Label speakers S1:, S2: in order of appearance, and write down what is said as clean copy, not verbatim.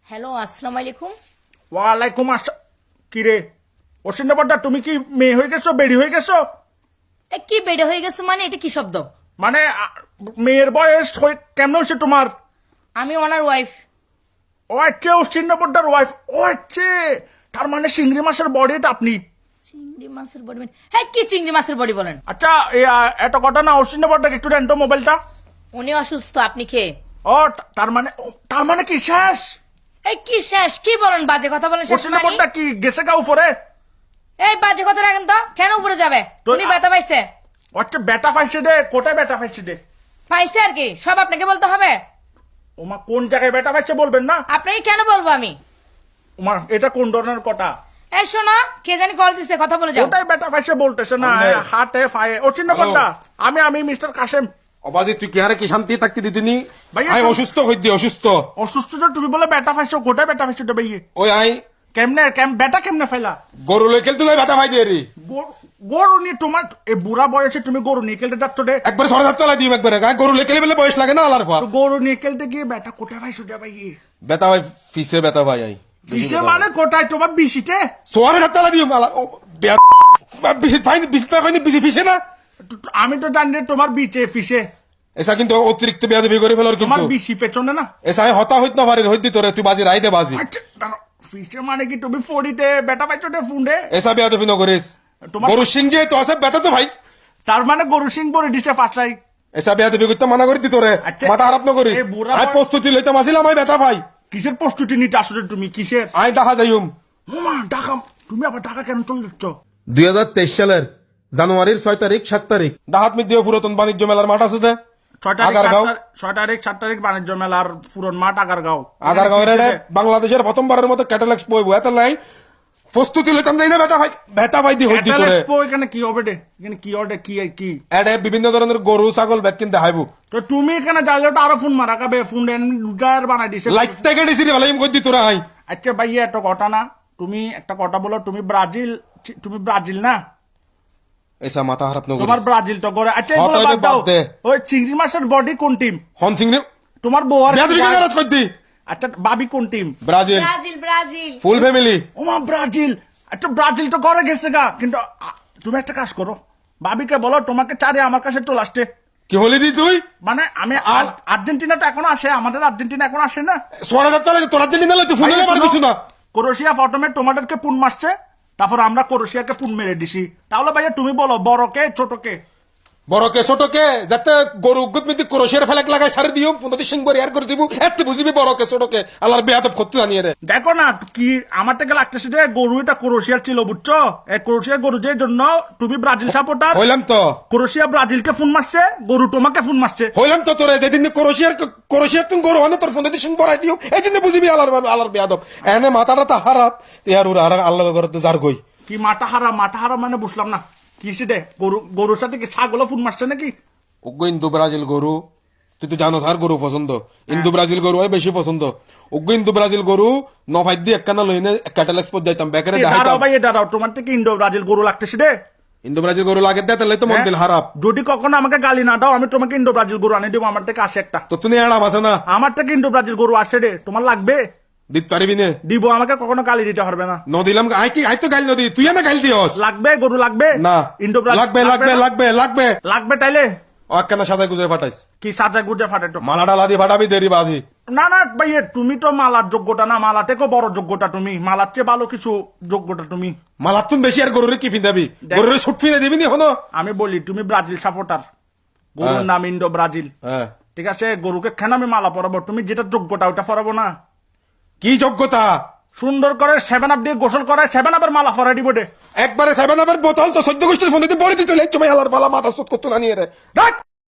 S1: Hello, আসসালামু আলাইকুম।
S2: ওয়ালাইকুম আসসালাম। কি রে অসিন্দাবাদা, তুমি কি মেয়ে হয়ে গেছো, বেড়ি হয়ে গেছো?
S1: কি বেড়ে হয়ে গেছে মানে? এটা কি শব্দ?
S2: মানে মেয়ের বয়স কেমন হয়েছে তোমার?
S1: আমি ওনার ওয়াইফ।
S2: ও আচ্ছা, অসিন্দাবাদার ওয়াইফ। ও আচ্ছা, তার মানে চিংড়ি মাছের বডি এটা আপনি?
S1: চিংড়ি মাছের বডি মানে? হ্যাঁ, কি চিংড়ি মাছের বডি বলেন?
S2: আচ্ছা, এত কথা না, অসিন্দাবাদাকে একটু দেন তো মোবাইলটা।
S1: উনি অসুস্থ, আপনি কে?
S2: ও তার মানে কি শেষ?
S1: কি শেষ? কি বলেন? বাজে কথা বলেন। শেষ মানে?
S2: অসিন্দাবাদা কি গেছে গা উপরে?
S1: বাজে কথা রাখেন তো। কেন উপরে যাবে? উনি ব্যথা পাইছে।
S2: আচ্ছা, ব্যথা পাইছে রে? কোথায় ব্যথা পাইছে রে?
S1: পাইছে আর কি, সব আপনাকে বলতে হবে?
S2: ওমা, কোন জায়গায় ব্যথা পাইছে বলবেন না?
S1: আপনাকে কেন বলবো আমি?
S2: ওমা, এটা কোন ধরনের কথা?
S1: শোনো, কে জানি কল দিচ্ছে, কথা বলে যাও।
S2: কোথায় ব্যথা পাইছে বলতেছে না, হাতে ফায়ে। অসিন্দাবাদা, আমি মিস্টার কাশেম।
S3: অবাজি তুই কি হারে কি শান্তি থাকতে দিদিনি?
S2: ভাইয়া,
S3: আই অসুস্থ হইদি অসুস্থ।
S2: অসুস্থ তো তুমি বলে ব্যথা পাইছো, কোথায় ব্যথা পাইছো রে ভাইয়ে?
S3: ওই আই
S2: ব্যথা কেমনে ফেলা?
S3: গরু লই খেলতে যাই ব্যথা পাই দিয়ে রি।
S2: গরু নিয়ে তোমার এই বুড়া বয়সে তুমি গরু নিয়ে খেলতে যাচ্ছ রে?
S3: একবার সরে হাত তলা দিম একবারে গায়ে গরু লই খেলে বলে বয়স লাগে না আলার পর।
S2: তো গরু নিয়ে খেলতে গিয়ে ব্যথা কোথায় পাইছো রে ভাইয়ে?
S3: ব্যথা ভাই ফিসে ব্যথা ভাই আই
S2: বিশে মানে কোথায়? তোমার বিশিতে?
S3: সরে হাত তলা দিম আলার বিশি ফাইন বিশি তো কইনি বিশি ফিসে না।
S2: আমি তো জানি রে তোমার বিচে ফিসে।
S3: এসা কিন্তু অতিরিক্ত বেয়াদবি করে ফেলার
S2: তোমার
S3: কিন্তু
S2: বিশি পেছনে না?
S3: এসা হতা হইত না পারে হইদি তোরে তুই বাজি রাই দে বাজি।
S2: আচ্ছা, দাঁড়াও, ফিসে মানে কি তুমি ফড়িতে ব্যথা পাইছো রে ফুন্ডে?
S3: এসা বেয়াদবি ন করিস।
S2: তোমার-
S3: গরু সিং যে তো আছে ব্যথা তো ভাই।
S2: তার মানে গরু সিং পরে দিছে ফাঁসাই।
S3: এসা বেয়াদবি করতে মানা করে দি তোরে।
S2: আচ্ছা,
S3: মাথা খারাপ ন করিস।
S2: এই বুড়া
S3: আই প্রস্তুতি লইতে মাসিলাম আই ব্যথা ভাই।
S2: কিসের প্রস্তুতি নিতে আসলে তুমি? কিসের?
S3: আই ডাহা যাইম।
S2: মামা ঢাকা, তুমি আবার ঢাকা কেন চলে যাচ্ছ?
S3: 2023 সালের জানুয়ারির 6 তারিখ 7 তারিখ ডাহাত মিদ্দিয়া পুরাতন বাণিজ্য মেলার মাঠ আছে দে
S2: 6 তারিখ 7 তারিখ বাণিজ্য মেলার পুরন মাঠ আগারগাঁও।
S3: আগারগাঁওয়ের বাংলাদেশের প্রথমবারের মতো ক্যাটাল এক্সপো হইব এত লাই প্রস্তুতি লইতাম যাই না ব্যথা ভাই দি হইতি
S2: ক্যাটাল
S3: করে
S2: এক্সপো এখানে কি হবে রে? এখানে কি হবে? কি
S3: এডে বিভিন্ন ধরনের গরু ছাগল ব্যাগ কিনতে হাইব
S2: তো তুমি এখানে যাইলে তো আরো ফোন মারা খাবে। ফোন রুটার বানাই দিছে।
S3: লাইট থেকে দিছি রে ভাই কই দি তোরা আই
S2: আচ্ছা ভাইয়া, একটা কথা না, তুমি একটা কথা বলো, তুমি ব্রাজিল না?
S3: এসা মাথা খারাপ ন
S2: তোমার ব্রাজিল তো করে। আচ্ছা,
S3: হ্যাঁ,
S2: এগুলো
S3: তাইলে
S2: বাদ দাও।
S3: বাদ দে।
S2: ওই চিংড়ি মাছের বডি কোন টিম?
S3: হন সিং রে
S2: তোমার বউ আর
S3: বেয়াদবি কারাজ কই দি
S2: আচ্ছা, বাবি কোন team?
S3: Brazil
S1: Brazil Brazil.
S3: Full family
S2: ওমা, ব্রাজিল। আচ্ছা, ব্রাজিল তো করে গেছে গা, কিন্তু তুমি একটা কাজ করো, ভাবিকে বলো তোমাকে চারে আমার কাছে চলে আসতে।
S3: কি হলি দি তুই
S2: মানে আমি আর্জেন্টিনা তো এখন আসে, আমাদের আর্জেন্টিনা এখন আসে না?
S3: সোরা যাত্রা লাগে তোরা দিলি না তুই ফোনে পারবি না
S2: ক্রোয়েশিয়া প্রথমে তোমাদেরকে পুন মারছে, তারপর আমরা ক্রোয়েশিয়াকে পুন মেরে দিছি। তাহলে ভাইয়া তুমি বলো, বড় কে ছোট কে?
S3: বড় কে ছোট কে যাতে গরু উগ্গত মিতি ক্রোশের ফেলাক লাগাই সারি দিও পুনতি সিং বরি আর করে দিব এত বুঝিবি বড় কে ছোট কে আল্লাহর বেয়াদব করতে জানিয়ে রে
S2: দেখো না, কি আমার থেকে লাগতেছে যে গরু এটা ক্রোয়েশিয়ার ছিল, বুঝছো? এই ক্রোয়েশিয়া গরু যে জন্য তুমি ব্রাজিল সাপোর্টার।
S3: হইলাম তো
S2: ক্রোয়েশিয়া ব্রাজিলকে ফোন মারছে, গরু তোমাকে ফোন মারছে।
S3: হইলাম তো তোরে যেদিন ক্রোশিয়ার তুমি গরু আনে তোর ফোনতি সিং বরাই দিও এই দিন বুঝিবি আল্লাহর বেয়াদব এনে মাথাটা তা খারাপ ইয়ার উরা আর আল্লাহ করতে যার কই
S2: কি মাথা হারা মানে বুঝলাম না কি সেটা? গরুর সাথে কি ছাগলও ফোন মারছে নাকি?
S3: ওগো ইন্দু ব্রাজিল গরু তুই তো জানো আর গরু পছন্দ ইন্দু ব্রাজিল গরু আমি বেশি পছন্দ ওগো ইন্দু ব্রাজিল গরু নফাই দিয়ে একখানা লইনে ক্যাটাল এক্সপো যাইতাম বেকারে
S2: দাঁড়াও
S3: দেখাইতাম
S2: ভাই, দাঁড়াও, তোমার থেকে ইন্ডো ব্রাজিল গরু লাগতেছে রে?
S3: ইন্দু ব্রাজিল গরু লাগে দেয় তাহলে তো মন দিল খারাপ
S2: যদি কখনো আমাকে গালি না দাও, আমি তোমাকে ইন্ডো ব্রাজিল গরু আনে দেবো। আমার থেকে আসে একটা,
S3: তো তুমি এড়াম আছে না
S2: আমার থেকে ইন্ডো ব্রাজিল গরু আসে রে, তোমার লাগবে?
S3: দিতে পারবি না
S2: দিব, আমাকে কখনো গালি দিতে পারবে না।
S3: ন দিলাম আই তো গাইল নদী তুই না গাইল দিওস
S2: লাগবে গরু, লাগবে
S3: না
S2: ইন্ডো ব্রাজিল
S3: লাগবে
S2: লাগবে তাইলে
S3: ও একখানা সাদা গুজরে ফাটাইস
S2: কি সাজা গুজে ফাটাটো?
S3: মালাটা লাদি ফাটাবি দেরি বাজি
S2: না ভাই, তুমি তো মালার যোগ্যতা না, মালা থেকেও বড় যোগ্যতা তুমি, মালার চেয়ে ভালো কিছু যোগ্যতা তুমি।
S3: মালার তুন বেশি আর গরুরে কি ফিন্দাবি গরুরে শুট ফিনে দিবি নি হনো
S2: আমি বলি, তুমি ব্রাজিল সাপোর্টার, গরুর নাম ইন্ডো ব্রাজিল,
S3: হ্যাঁ
S2: ঠিক আছে? গরুকে কেন আমি মালা পরাবো? তুমি যেটা যোগ্যতা ওটা পরাবো না?
S3: কি যোগ্যতা
S2: সুন্দর করে 7 আপ দিয়ে গোসল করে 7 আপের মালা পরাই দিব রে।
S3: একবারে 7 আপের বোতল তো 14 গোষ্ঠীর ফোন দিতে বড় দিতে চলে চমাই আলার বালা মাথা সুত করতে না নিয়ে রে রাখ